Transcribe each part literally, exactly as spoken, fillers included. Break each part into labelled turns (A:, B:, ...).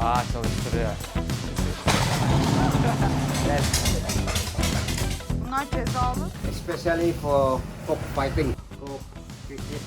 A: Aa, çalıştırıyor.
B: Bunlar cezalı.
C: Especially for cock fighting. Cock cricket.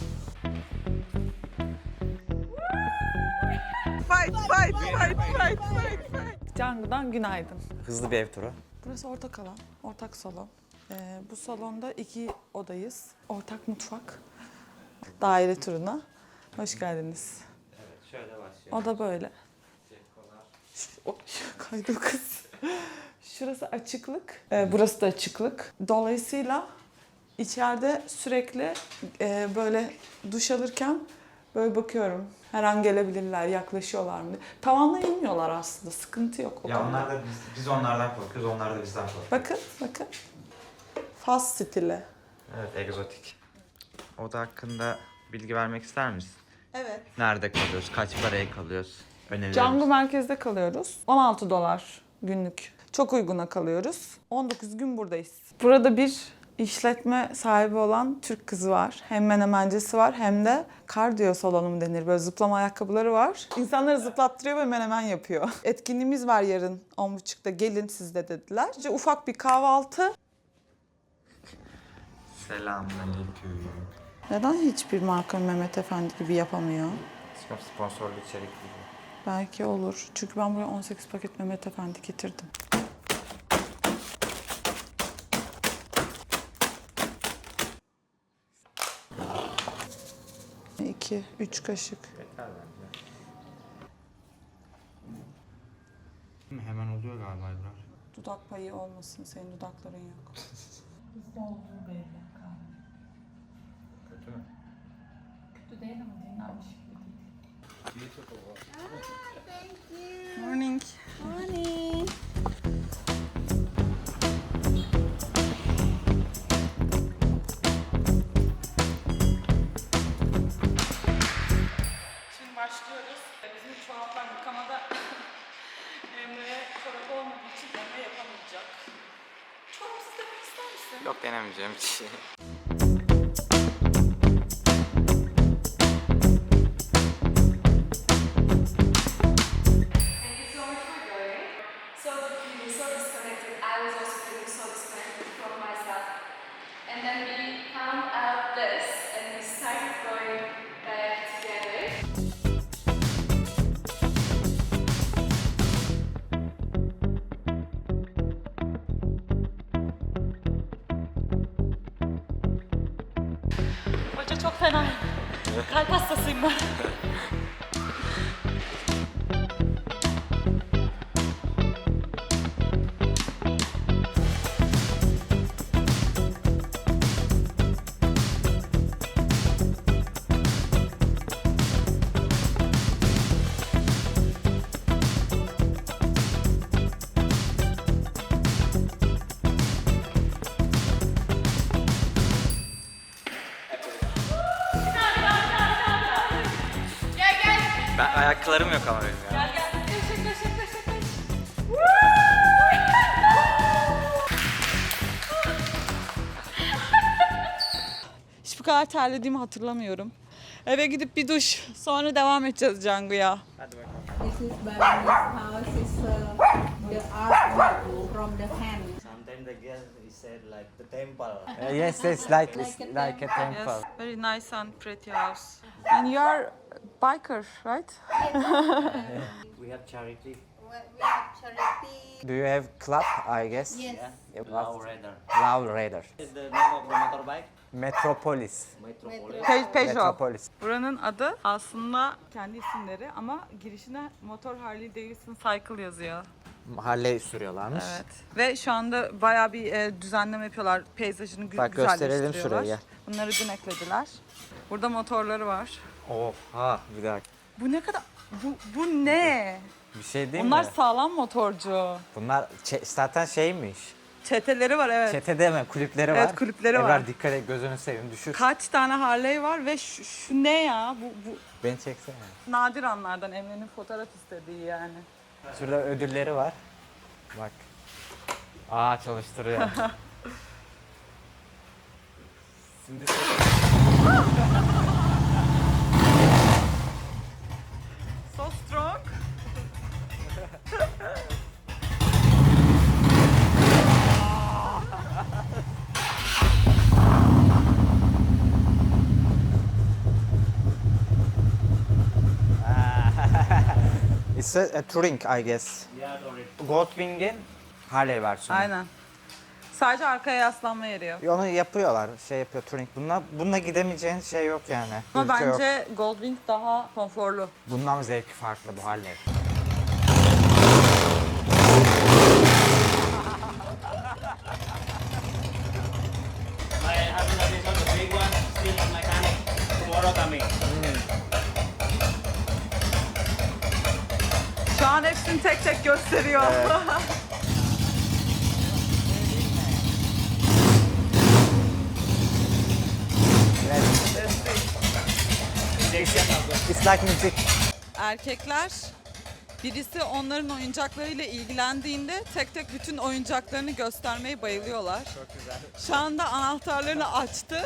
B: Fight, fight, fight, fight, fight, fight. Cangı'dan günaydın.
A: Hızlı bir ev turu.
B: Burası ortak alan, ortak salon. Ee, bu salonda iki odayız. Ortak mutfak. Daire turuna. Hoş geldiniz.
A: Evet, şöyle başlıyor.
B: O da böyle. O, kaydı kız. Şurası açıklık, ee, burası da açıklık. Dolayısıyla içeride sürekli e, böyle duş alırken böyle bakıyorum. Her an gelebilirler, yaklaşıyorlar mı? Tavanla inmiyorlar aslında, sıkıntı yok. O
D: Ya
B: kadar.
D: onlar da biz, biz onlardan korkuyoruz, onlar da bizden korkuyor.
B: Bakın, bakın. Fas stili.
D: Evet, egzotik. Oda hakkında bilgi vermek ister misin?
B: Evet.
D: Nerede kalıyoruz, kaç paraya kalıyoruz? Önerilerimiz.
B: Canggu merkezde kalıyoruz. on altı dolar günlük. Çok uyguna kalıyoruz. on dokuz gün buradayız. Burada bir işletme sahibi olan Türk kızı var. Hem menemencisi var hem de kardiyo salonu mu denir. Böyle zıplama ayakkabıları var. İnsanları zıplattırıyor ve menemen yapıyor. Etkinliğimiz var yarın on buçukta. Gelin siz de dediler. İşte ufak bir kahvaltı.
D: Selamünaleyküm.
B: Neden hiçbir marka Mehmet Efendi gibi yapamıyor?
D: Sponsorlu içerik gibi.
B: Belki olur. Çünkü ben buraya on sekiz paket Mehmet Efendi getirdim. İki, üç kaşık.
D: Yeter bence. Hemen oluyor galiba İbrahim.
B: Dudak payı olmasın, senin dudakların yok. Bizde olduğu belli.
D: Kötü mü?
B: Kötü değil ama dinlenmiş gibi değil. Morning.
E: Morning.
B: Şimdi başlıyoruz. Bizim çoraplar yıkamada Emre'ye çorap olmadığı için Emre yapamayacak. Çorapsız demek ister misin?
D: Yok, denemeyeceğim bir şey.
F: So feeling so disconnected. I was also feeling so disconnected from myself. And then we found out this and we started going back together.
B: Hoca çok fena. Kalp hastasıyım ben.
D: Ben ayaklarım yok ama benim ya.
B: Hiç bu kadar terlediğimi hatırlamıyorum. Eve gidip bir duş, sonra devam edeceğiz Canggu'ya.
D: Hadi bakalım.
E: This is Balinese house. Is uh, the art from the hand.
A: Sometimes the girl is said like the temple. Uh, yes, yes, like it's
E: Like a
A: like a temple.
B: Yes, very nice and pretty house. And you are biker, right?
A: We have charity.
E: We have charity.
A: Do you have club? I guess.
E: Yes.
A: Yeah.
G: Low Raider.
A: Loud Raider.
G: Is the name of the motorbike?
A: Metropolis.
G: Metropolis.
B: Pe- Peugeot.
A: Metropolis.
B: Buranın adı aslında kendi isimleri ama girişine motor Harley Davidson Cycle yazıyor.
A: Harley sürüyorlarmış.
B: Evet. Ve şu anda bayağı bir e, düzenleme yapıyorlar. Peyzajını gü-
A: Bak, gösterelim
B: güzelleştiriyorlar.
A: şurayı.
B: Bunları dün eklediler. Burada motorları var.
A: Oha, bir dakika.
B: Bu ne kadar... Bu, bu ne?
A: Bir şey değil
B: Onlar
A: mi?
B: sağlam motorcu.
A: Bunlar çe- zaten şeymiş.
B: Çeteleri var, evet.
A: Çete deme, kulüpleri var.
B: Evet, kulüpleri var.
A: Ebrar dikkat et, gözünü seveyim, düşür.
B: Kaç tane Harley var ve şu, şu ne ya? Bu, bu
A: Beni çeksene.
B: nadir anlardan Emre'nin fotoğraf istediği yani.
A: Şurada ödülleri var. Bak. Aa, çalıştırıyor. Şimdi
B: So strong.
D: It's a, a Touring I guess.
G: Yeah, sorry.
D: Goldwing'in Harley versiyonu.
B: Aynen. Sadece arkaya yaslanma yeri yok.
D: Onu yapıyorlar, şey yapıyor Touring. Bununla, bununla gidemeyeceğin şey yok yani.
B: Ama
D: Ülke yok.
B: bence Goldwing daha konforlu.
D: Bundan zevki farklı bu Harley.
G: I have another one, the big one, still on mechanic. Tomorrow coming.
B: Şu an hepsini tek tek gösteriyor.
D: It's like music.
B: Erkekler birisi onların oyuncaklarıyla ilgilendiğinde tek tek bütün oyuncaklarını göstermeye bayılıyorlar. Çok güzel. Şu anda anahtarlarını açtı.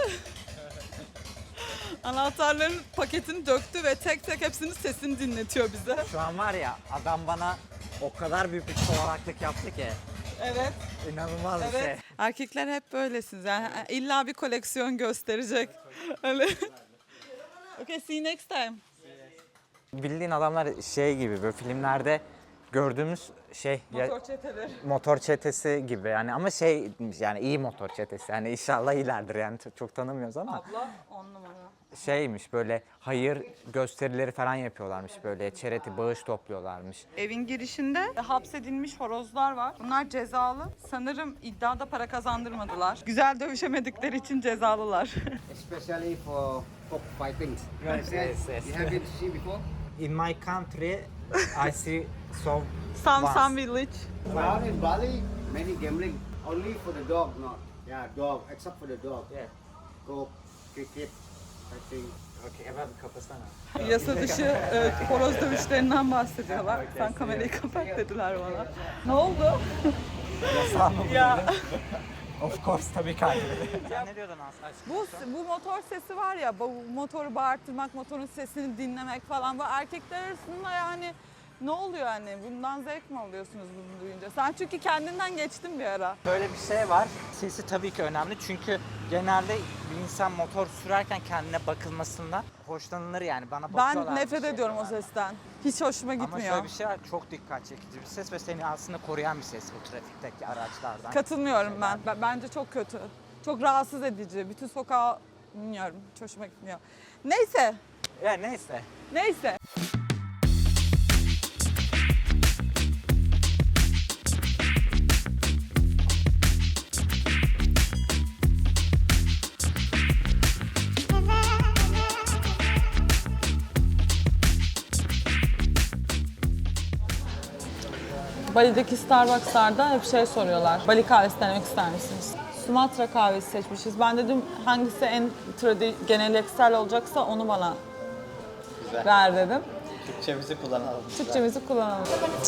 B: Anahtarların paketini döktü ve tek tek hepsinin sesini dinletiyor bize.
D: Şu an var ya adam bana o kadar büyük bir çoğalaklık yaptı ki.
B: Evet.
D: İnanılmaz bir şey.
B: Evet. Erkekler hep böylesiniz. Yani illa bir koleksiyon gösterecek. Öyle. Okay, see you next time.
D: Bildiğin adamlar şey gibi böyle filmlerde gördüğümüz şey ya-
B: Motor çeteleri.
D: motor çetesi gibi yani ama şey yani iyi motor çetesi yani inşallah iyilerdir yani çok, çok tanımıyoruz ama
B: Abla on numara.
D: şeymiş böyle hayır gösterileri falan yapıyorlarmış böyle charity bağış topluyorlarmış.
B: Evin girişinde hapsedilmiş horozlar var. Bunlar cezalı. Sanırım iddiada para kazandırmadılar. Güzel dövüşemedikleri için cezalılar.
C: Especially for cockfighting.
D: Yes, yes, yes.
C: You haven't seen before?
D: In my country I see so
B: Some
D: once.
B: some village.
C: Around in Bali, many gambling. Only for the dog, not. Yeah, dog, except for the dog.
D: Yeah.
C: Go, cricket, fighting.
D: Okay, hemen kapasana.
B: Yasa dışı evet, horoz dövüşlerinden bahsediyorlar. Sen kamerayı kapat dediler bana. Ne oldu? Ya.
D: Of course tabii ki. Sen ne diyordun Aslı?
B: Bu, bu motor sesi var ya, bu motoru bağırtırmak, motorun sesini dinlemek falan. Bu erkekler arasında yani ne oluyor hani? Bundan zevk mi alıyorsunuz bunu duyunca? Sen çünkü kendinden geçtin bir ara.
D: Böyle bir şey var. Sesi tabii ki önemli çünkü genelde bir insan motor sürerken kendine bakılmasından hoşlanılır yani. Bana bakıyorlar.
B: Ben nefret
D: bir şey
B: ediyorum o
D: diyorlar.
B: sesten. Hiç hoşuma
D: Ama
B: gitmiyor.
D: şöyle bir şey var, çok dikkat çekici bir ses ve seni aslında koruyan bir ses bu trafikteki araçlardan.
B: Katılmıyorum ben. Ben- Bence çok kötü. Çok rahatsız edici. Bütün sokağı bilmiyorum. Hiç hoşuma gitmiyor. Neyse.
D: Ya neyse.
B: Neyse. Bali'deki Starbucks'larda hep şey soruyorlar. Bali kahvesi denemek ister misiniz? Sumatra kahvesi seçmişiz. Ben dedim hangisi en tradi geleneksel olacaksa onu bana
G: Güzel.
B: ver dedim.
G: Türkçemizi kullanalım.
B: Türkçemizi kullanalım.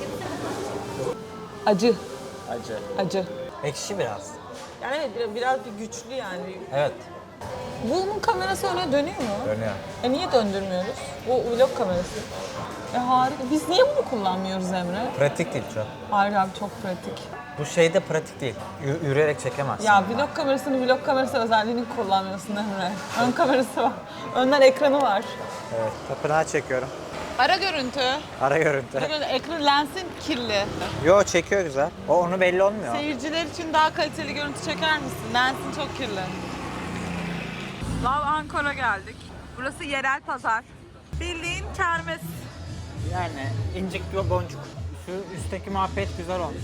B: Acı,
G: Acı.
B: acı.
D: Ekşi biraz.
B: Yani evet biraz, biraz bir güçlü yani.
D: Evet.
B: Bunun kamerası öyle dönüyor mu?
D: Dönüyor.
B: E niye döndürmüyoruz? Bu vlog kamerası. E harika. Biz niye bunu kullanmıyoruz Emre?
D: Pratik değil çok.
B: Hayır abi çok pratik.
D: Bu şey de pratik değil. Y- yürüyerek çekemezsin.
B: Ya vlog kamerasını vlog kamerası özelliğini kullanmıyorsun Emre. Ön kamerası var. Önden ekranı var.
D: Evet. Tapınağı çekiyorum.
B: Ara görüntü.
D: Ara görüntü.
B: Ekran lensin kirli.
D: Yo çekiyor güzel. O onu belli olmuyor.
B: Seyirciler için daha kaliteli görüntü çeker misin? Lensin çok kirli. Lav Ankara geldik. Burası yerel pazar. Bildiğin kermes.
D: Yani incik ve boncuk. Şu üstteki muhabbet güzel olmuş.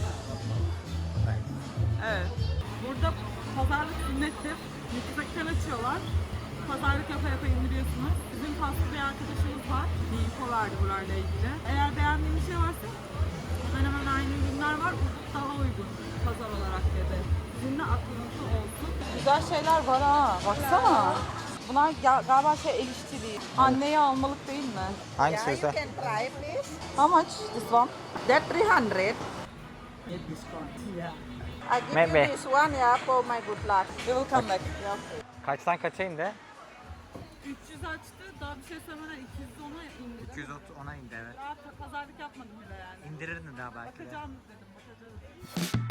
B: Evet. Burada pazarlık sünnettir. Yüksekten açıyorlar. Pazarlık yapa yapa indiriyorsunuz. Bizim paslı bir arkadaşımız var. Bir info verdi burayla ilgili. Eğer beğendiğin bir şey varsa hemen hemen aynı ürünler var. Burada daha uygun pazar olarak dedi. Sizin de aklınızda olsun. Güzel şeyler var ha. Baksana. Bunlar ga- galiba şey el işçiliği. Anneye almalık değil mi?
D: Hangisi güzel?
E: can try please.
B: How much this one?
E: That three hundred. I give
D: Maybe.
E: you this one, yeah, for my good luck.
B: We will come back.
D: Kaçtan kaça indi?
B: üç yüz açtı. Daha bir şey söylemeden iki yüz ona indirdim.
D: iki yüz ona indi evet.
B: Daha pazarlık yapmadım bile yani.
D: İndirirdin daha belki de.
B: Bakacağım dedim, bakacağız.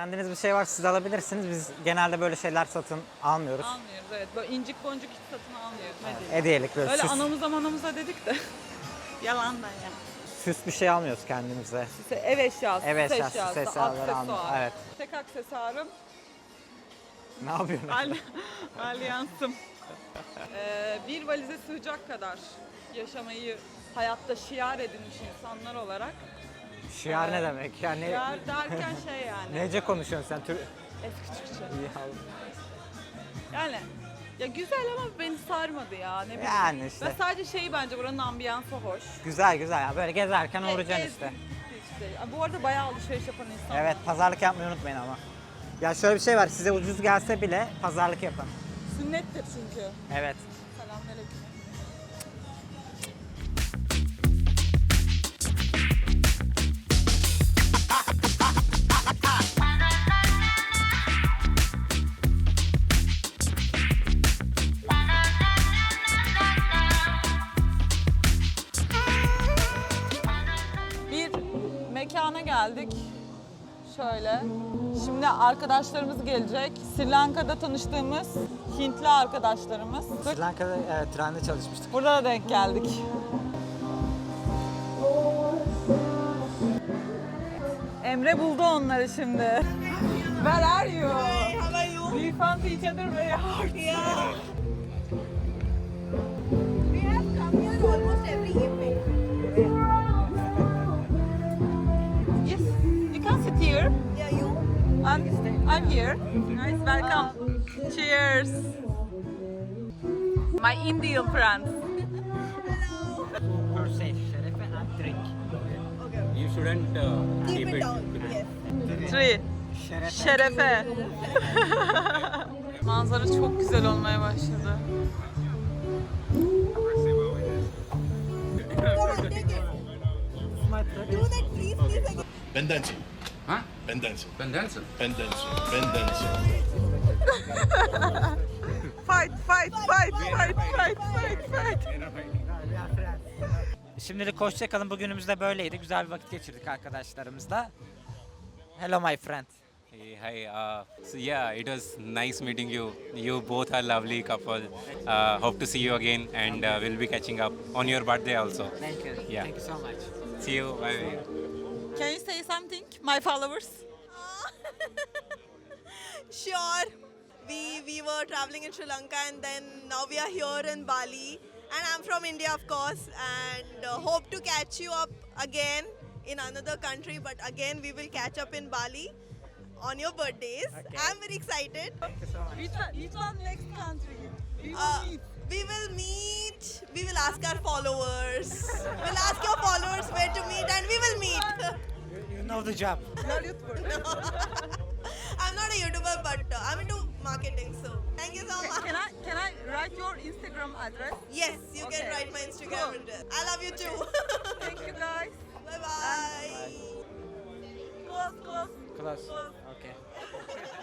D: Beğendiğiniz bir şey var siz alabilirsiniz. Biz genelde böyle şeyler satın almıyoruz.
B: Almıyoruz evet. Böyle incik boncuk hiç satın almıyoruz. Ne diyeyim?
D: Hediyelik böyle
B: Öyle
D: süs,
B: anamıza manamıza dedik de. Yalandan ya.
D: süs bir şey almıyoruz kendimize.
B: İşte ev eşyası,
D: Ev
B: süs
D: eşyası,
B: eşyası,
D: süs eşyaları
B: aksesuar.
D: almıyoruz, evet.
B: Tek aksesuarım
D: Ne yapıyorsun?
B: al alyansım. Ee, bir valize sığacak kadar yaşamayı hayatta şiar edinmiş insanlar olarak.
D: Şiar ne demek? Yani
B: Şiar derken şey yani.
D: nece konuşuyorsun sen? Tür...
B: Eski Türkçe.
D: Ya,
B: Yani ya güzel ama beni sarmadı ya ne bileyim.
D: Yani işte.
B: Ve sadece şeyi bence buranın ambiyansı hoş.
D: güzel güzel ya böyle gezerken uğrayacaksın
B: Gezdik
D: işte.
B: işte. Bu arada bayağı alışveriş yapan insanlar.
D: Evet pazarlık yapmayı unutmayın ama. Ya şöyle bir şey var size ucuz gelse bile pazarlık yapın.
B: Sünnettir çünkü.
D: Evet.
B: Selamünaleyküm. Bir mekana geldik. Şöyle. Şimdi arkadaşlarımız gelecek. Sri Lanka'da tanıştığımız Hintli arkadaşlarımız.
D: Sri Lanka'da evet, trende çalışmıştık.
B: Burada da denk geldik. Emre buldu onları şimdi. Where are you?
H: Hey, how are you?
B: We found each other very hard.
H: Yeah. We have come here almost every evening.
B: Yes, you can sit here.
H: Yeah, you?
B: I'm, I'm here. Nice, welcome. Cheers. My Indian friends.
D: Per se, şerefe and drink.
G: You shouldn't uh,
H: Keep
G: keep
H: it
G: it.
H: down. Yes.
B: Three.
D: Şerefe.
B: Şerefe. Manzara çok güzel olmaya başladı.
H: Come on, take it. Do that, please, please. Again.
I: Ben dancing.
J: Huh?
I: Ben dancing.
J: Ben dancing.
I: Ben dancing. Ben dancing.
B: Fight, fight, fight, fight, fight, fight, fight.
D: Şimdilik hoşça kalın. Bugünümüz de böyleydi. Güzel bir vakit geçirdik arkadaşlarımızla. Hello my friend.
K: Hey, hi. Uh, so yeah, it was nice meeting you. You both are lovely couple. Uh, hope to see you again, and uh, we'll be catching up on your birthday also.
D: Thank you.
K: Yeah.
D: Thank you so much.
K: See you. Bye.
B: Can you say something, my followers?
H: Sure. We we were traveling in Sri Lanka and then now we are here in Bali. And I'm from India, of course, and uh, hope to catch you up again in another country. But again, we will catch up in Bali on your birthdays. I'm very excited.
B: Which one, which one next country? We will
H: Uh,
B: meet.
H: we will meet. We will ask our followers. We'll ask your followers where to meet, and we will meet.
D: You know the job.
H: I'm not a YouTuber, but uh, I'm into marketing. So thank you so much.
B: Can I can I write your Instagram address?
H: Yes, you
B: Okay.
H: can write my Instagram
B: Cool.
H: address. I love you too.
B: Thank you guys.
H: Bye bye.
B: Close, close.
D: Close.
B: Close.
D: Okay.